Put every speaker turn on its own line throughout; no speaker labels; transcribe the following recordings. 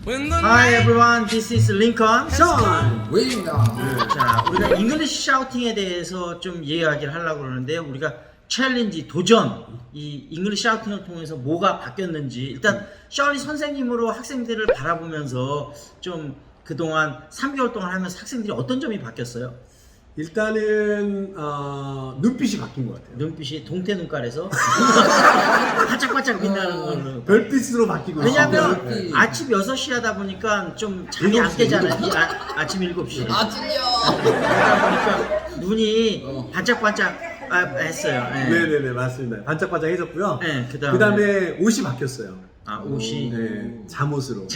Hi everyone, this is Lincoln.
Sean 웨입니다.
자, 우리가 잉글리시 샤우팅에 대해서 좀 이야기를 하려고 그러는데 우리가 챌린지, 도전, 이 잉글리시 샤우팅을 통해서 뭐가 바뀌었는지 일단 셔리 선생님으로 학생들을 바라보면서 좀 그동안 3개월 동안 하면서 학생들이 어떤 점이 바뀌었어요?
일단은 눈빛이 바뀐 것 같아요.
눈빛이 동태 눈깔에서 반짝반짝 빛나는 걸로
별빛으로 바뀌고
왜냐면
있어요. 네.
아침 6시 하다 보니까 좀 잠이 안 깨잖아요. 아침 7시.
아 찔려.
그러다 보니까 눈이 반짝반짝 했어요. 네.
네네네 맞습니다. 반짝반짝해졌고요.
네,
그다음에 옷이 바뀌었어요.
옷이.
네, 잠옷으로.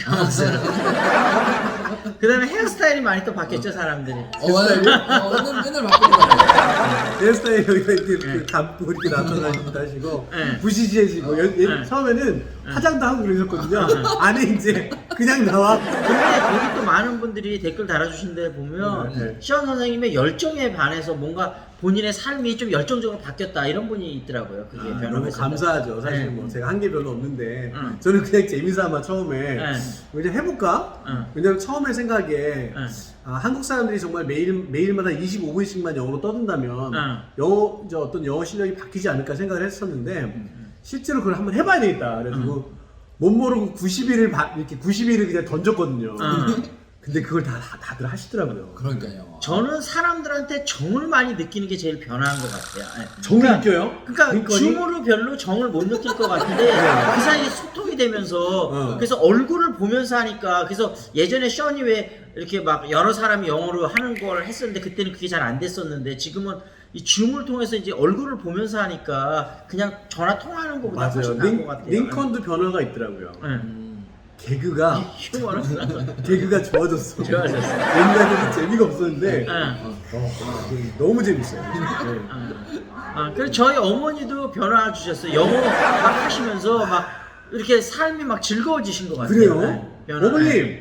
그다음에 헤어스타일이 많이 또 바뀌었죠 사람들이.
맨날 바꾸는 거 같아요.
헤어스타일 여기가 이렇게 그 감고 이렇게 나타나기도 하시고
네.
부시시해지고
네.
처음에는 화장도 하고 그러셨거든요. 안에 이제 그냥 나와.
근데 거기 또 많은 분들이 댓글 달아주신 데 보면
네.
시원 선생님의 열정에 반해서 뭔가 본인의 삶이 좀 열정적으로 바뀌었다 이런 분이 있더라고요. 그게
너무
변화가
감사하죠. 사실
네.
뭐 제가 한 게 별로 없는데
응.
저는 그냥 재미삼아 처음에
네.
그냥 해볼까?
응.
왜냐면 처음에 생각에
네.
한국 사람들이 정말 매일마다 25분씩만 영어로 떠든다면 이제 어떤 영어 실력이 바뀌지 않을까 생각을 했었는데 실제로 그걸 한번 해봐야 되겠다. 그래가지고 못 모르고 90일을 이렇게 90일을 그냥 던졌거든요. 근데 그걸 다들 하시더라고요.
그러니까요.
저는 사람들한테 정을 많이 느끼는 게 제일 변화한 것 같아요. 네.
정을 느껴요?
그러니까
링컨이?
줌으로 별로 정을 못 느낄 것 같은데 그 사이에 소통이 되면서 그래서 얼굴을 보면서 하니까 그래서 예전에 션이 왜 이렇게 막 여러 사람이 영어로 하는 걸 했었는데 그때는 그게 잘 안 됐었는데 지금은 이 줌을 통해서 이제 얼굴을 보면서 하니까 그냥 전화 통화하는 것보다
맞아요.
훨씬 나은 것 같아요.
링컨도 변화가 있더라고요. 개그가
휴머는
개그가 좋아졌어.
좋아졌어.
옛날에는 재미가 없었는데
응.
너무 재밌어요. 네.
그래서 저희 어머니도 변화 주셨어요. 영어 막 하시면서 막 이렇게 삶이 막 즐거워지신 것 같아요.
그래요?
네, 변화.
어머님,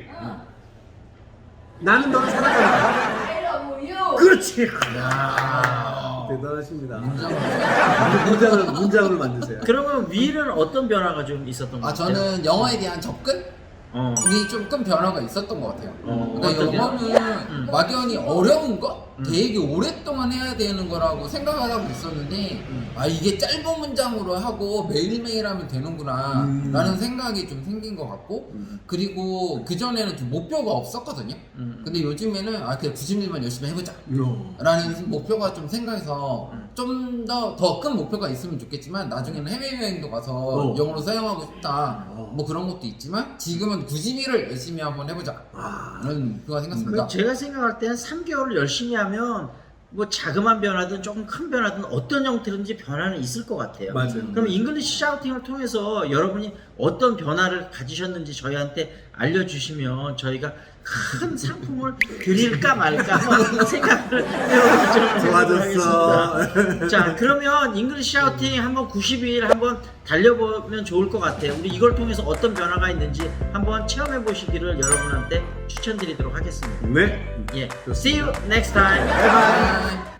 나는 너를 사랑한다. 그렇지. 대단하십니다. 문장으로 만드세요.
그러면 위는 어떤 변화가 좀 있었던 것
아
같아요?
저는 영어에 대한 접근? 이 좀 큰 변화가 있었던 것 같아요. 그러니까
어떤
영어는 막연히 어려운 거? 되게 오랫동안 해야 되는 거라고 생각을 하고 있었는데 아 이게 짧은 문장으로 하고 매일매일 하면 되는구나 라는 생각이 좀 생긴 것 같고 그리고 그전에는 좀 목표가 없었거든요. 근데 요즘에는 아 그냥 90일만 열심히 해보자 라는 목표가 좀 생겨서 좀 더 큰 목표가 있으면 좋겠지만 나중에는 해외여행도 가서 영어로 사용하고 싶다 뭐 그런 것도 있지만 지금은 90일을 열심히 한번 해보자 라는 목표가 생겼습니다.
제가 생각할 때는 3개월을 열심히 하면 뭐 자그마한 변화든 조금 큰 변화든 어떤 형태든지 변화는 있을 것 같아요.
맞아요.
그럼 잉글리시 샤우팅을 통해서 여러분이 어떤 변화를 가지셨는지 저희한테 알려주시면 저희가 큰 상품을 드릴까 말까 한번 생각을
좋아졌어.
해보겠습니다. 자, 그러면 잉글리시 샤우팅 한번 90일 한번 달려보면 좋을 것 같아요. 우리 이걸 통해서 어떤 변화가 있는지 한번 체험해 보시기를 여러분한테 추천드리도록 하겠습니다.
네.
예, see you next time.
바이바이.